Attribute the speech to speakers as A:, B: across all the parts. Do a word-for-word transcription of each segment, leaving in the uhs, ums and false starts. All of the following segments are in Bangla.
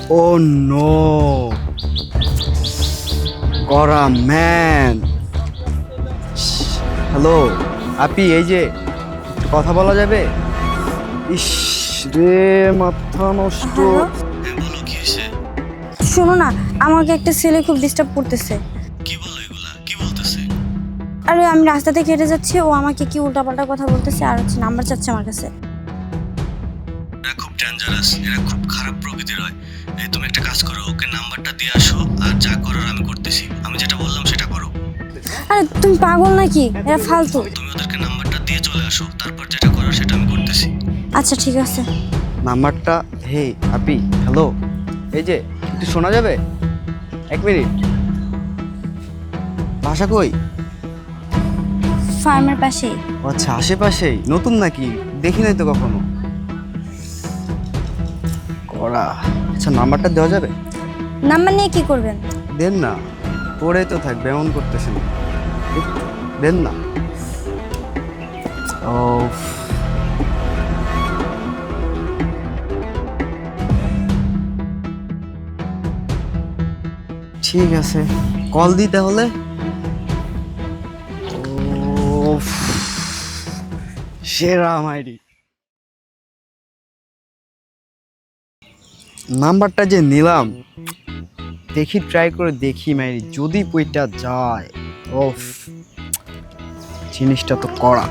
A: ও নো, করা ম্যান। হ্যালো আপি, এই যে একটু কথা বলা যাবে? ইস রে, মাথা নষ্ট।
B: বলো কি হয়েছে?
C: শোনো না, আমাকে একটা ছেলে খুব ডিস্টার্ব করতেছে।
B: কি বলো এগুলা? কি বলতেছে?
C: আরে আমি রাস্তা থেকে হেঁটে যাচ্ছি, ও আমাকে কি উল্টাপাল্টা কথা বলতেছে আর হচ্ছে নাম্বার চাচ্ছে আমার কাছে।
B: এরা খুব ডেঞ্জারাস, এরা খুব খারাপ প্রকৃতির হয়। এই তুমি একটা কাজ করো, ওকে নাম্বারটা দিয়ে আসো, আর যা করার আমি করতেছি। আমি যেটা বললাম সেটা করো।
C: আরে তুমি পাগল নাকি? এরা ফালতু।
B: তুমি ওদেরকে নাম্বারটা দিয়ে চলে আসো, তারপর যেটা করার সেটা আমি করতেছি।
C: আচ্ছা ঠিক আছে।
A: নাম্বারটা। হে আপি, হ্যালো, এই যে একটু শোনা যাবে? এক মিনিট। ভাষা কই?
C: ফার্মের পাশেই।
A: ও আচ্ছা, আশেপাশেই। নতুন নাকি? দেখি নাই তো কখনো। করা। আচ্ছা, নাম্বারটা দেওয়া যাবে?
C: নাম্বার নিয়ে কি করবেন?
A: দেন না, পড়ে তো থাকবে, এমন করতেছেন। দেন না। ও ঠিক আছে, কল দিই তাহলে। উফ, সেরা মাইরি। নাম্বারটা যে নিলাম, দেখি ট্রাই করে দেখি মাইরি, যদি বইটা যায়। ওফ, জিনিসটা তো কড়া।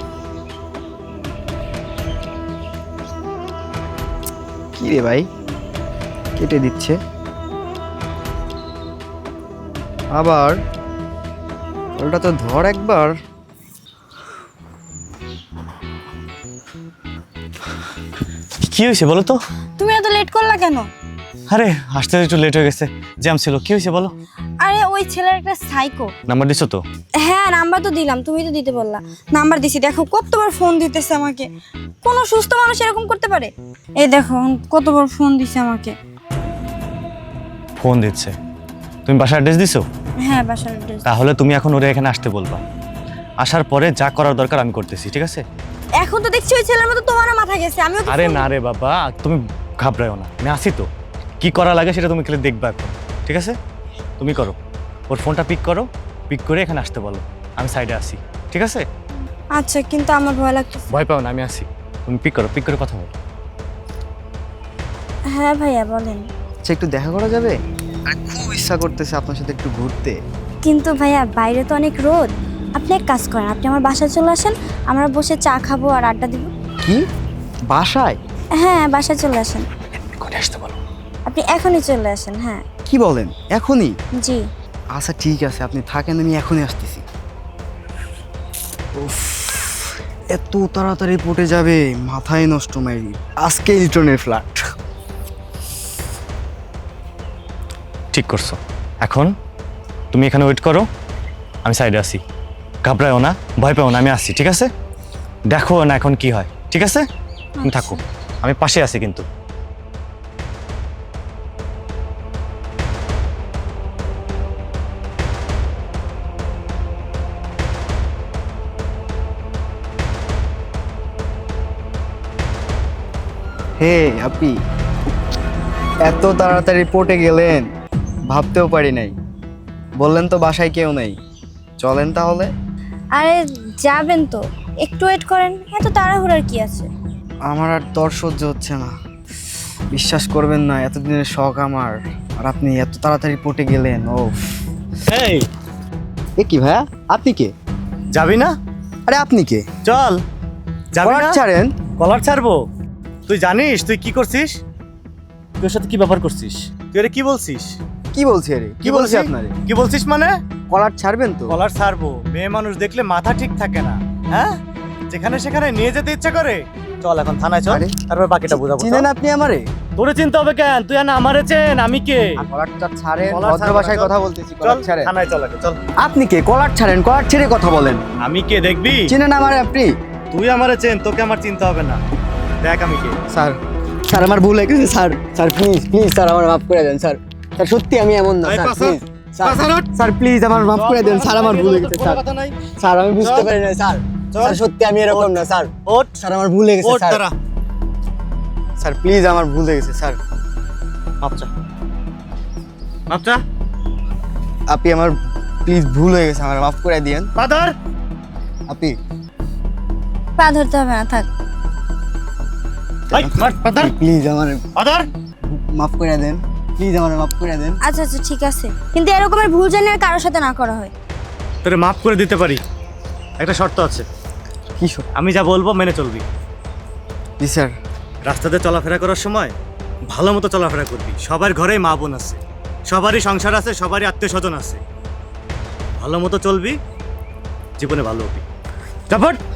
A: কি রে ভাই, কেটে দিচ্ছে আবার। ওটা তো ধর একবার।
B: কি হয়েছে বলো তো?
C: তুমি এত লেট করলা কেন?
B: আরে আসতে একটু লেট হয়ে গেছে, জ্যাম ছিল। কি হয়েছে বলো?
C: আরে ওই ছেলের একটা সাইকো।
B: নাম্বার দিছো তো?
C: হ্যাঁ নাম্বার তো দিলাম, তুমি তো দিতে বললা। নাম্বার দিছি, দেখো কতবার ফোন দিতেছে আমাকে। কোনো সুস্থ মানুষ এরকম করতে পারে? এই দেখো কতবার ফোন দিছে আমাকে।
B: ফোন দিচ্ছে? তুমি বাসার অ্যাড্রেস দিছো?
C: হ্যাঁ বাসার অ্যাড্রেস।
B: তাহলে তুমি এখন ওরে এখানে আসতে বলবা। আসার পরে যা করার দরকার আমি করতেছি, ঠিক আছে?
C: এখন তো দেখছি ওই ছেলের মতো তোমারও মাথা গেছে। আমিও কি
B: আরে
C: ফোন-
B: না রে বাবা, তুমি ঘাবড়াও না, আমি আসি তো। কি করা লাগে সেটা তুমি খেলে দেখবা এখন, ঠিক আছে? তুমি করো, ওর ফোনটা পিক করো, পিক করে এখানে আসতে বলো। আমি সাইডে আসি, ঠিক আছে?
C: আচ্ছা কিন্তু আমার ভয় লাগতেছে।
B: ভয় পাও না, আমি আসি। তুমি পিক করো, পিক করে কথা বলো।
C: হ্যাঁ ভাইয়া বলেন।
A: আচ্ছা, একটু দেখা করা যাবে? আরে খুব ইচ্ছা করতেছে আপনার সাথে একটু ঘুরতে।
C: কিন্তু ভাইয়া বাইরে তো অনেক রোদ। আপনি এক কাজ করেন, আপনি আমার বাসায় চলে আসেন, আমরা বসে চা খাবো আর আড্ডা দিব।
A: কি, বাসায়?
C: হ্যাঁ বাসায় চলে আসেন।
B: করে আসতে বলো।
C: আপনি এখনই চলে আসেন। হ্যাঁ
A: কি বলেন, এখনই?
C: জি।
A: আচ্ছা ঠিক আছে, আপনি থাকেন, আমি এখনই আসতেছি। উফ, এত তাড়াতাড়ি পটে যাবে, মাথায় নষ্ট মাইরি। আজকে ইলটনের ফ্ল্যাট।
B: ঠিক করছো। এখন তুমি এখানে ওয়েট করো, আমি সাইডে আসি। ঘাবড়াও না, ভয় পাও না, আমি আসছি, ঠিক আছে? দেখো না এখন কি হয়, ঠিক আছে? তুমি থাকো, আমি পাশে আছি কিন্তু।
A: হে আপনি এত তাড়াতাড়ি পটে গেলেন, ভাবতেও পারি নাই। বললেন তো বাসায় কেউ নেই, চলেন তাহলে।
C: আরে যাবেন তো, একটু ওয়েট করেন, এত তাড়াহুড়ার কি আছে?
A: আমার আর দর সহ্য হচ্ছে না। বিশ্বাস করবেন না, এতদিনের শখ আমার, আর আপনি এত তাড়াতাড়ি পটে গেলেন। ও
B: এই
A: এ কি ভাইয়া, আপনি কে?
B: যাবি না?
A: আরে আপনি কে?
B: চল। যাবি
A: কলার
B: না?
A: ছাড়েন।
B: কলার ছাড়বো? তুই জানিস তুই কি করছিস? তোর সাথে কি ব্যাপার করছিস? তুই আরে কি বলছিস?
A: কি বলছি আরে, কি বলছি আপনারে?
B: কি বলছিস মানে?
A: কলার ছাড়বেন তো?
B: কলার ছাড়বো? মেয়ে মানুষ দেখলে মাথা ঠিক থাকে না, হ্যাঁ? যেখানে সেখানে নিয়ে যেতে ইচ্ছা করে। চল এখন থানায় চল,
A: আরে,
B: তারপর বাকিটা বুঝাবো।
A: চিনেন আপনি আমারে?
B: তোরে চিনতে হবে কেন? তুই না আমারে চেন, আমি কে?
A: কলারটা ছাড়েন,
B: কলার
A: ভদ্র
B: ছাড়বো না,
A: ভাষায়
B: চল।
A: কথা বলতেছি।
B: চল
A: কলার ছাড়েন।
B: থানায় চল আগে, চল।
A: আপনি কে? কলার ছাড়েন, কলার ছেড়ে কথা বলেন।
B: আমি কে দেখবি?
A: চিনেন আমারে আপনি?
B: তুই আমারে চেন, তোকে আমার চিনতে হবে না। দেখ আমি কে।
A: স্যার, স্যার আমার ভুল হয়ে গেছে sir. Sir please please sir, আমার মাফ করে দেন স্যার। স্যার সত্যি আমি এমন না
B: এই
A: sir,
B: Pasha,
A: please sir.
B: Pasha road.
A: Sir please আমার মাফ করে দেন স্যার, আমার ভুল হয়ে গেছে স্যার।
B: কথা নাই।
A: স্যার আমি বুঝতে
B: চল।
A: পারি না স্যার।
B: চল।
A: স্যার সত্যি আমি এরকম না স্যার।
B: ওঠ,
A: স্যার আমার ভুল হয়ে গেছে
B: ওঠ
A: স্যার।
B: দাঁড়া।
A: স্যার প্লিজ আমার ভুল হয়ে গেছে স্যার।
B: মাপচা মাপচা
A: আপনি আমার প্লিজ ভুল হয়ে গেছে, আমার মাফ করে দিয়েন।
B: পাদর
A: আপনি
C: পা ধরতে হবে না, থাক।
B: এই মার পাদর
A: প্লিজ আমার
B: পাদর
A: মাফ করে দেন, প্লিজ আমার মাফ করে দেন।
C: আচ্ছা আচ্ছা ঠিক আছে, কিন্তু এরকমের ভুল জানি আর কারোর সাথে না করা হয়।
B: তোরে মাফ করে দিতে পারি, একটা শর্ত আছে।
A: কি সব?
B: আমি যা বলবো মেনে চলবি।
A: জি স্যার।
B: রাস্তাতে চলাফেরা করার সময় ভালো মতো চলাফেরা করবি। সবার ঘরেই মা বোন আছে, সবারই সংসার আছে, সবারই আত্মীয় স্বজন আছে। ভালো মতো চলবি, জীবনে ভালো হবি। তারপর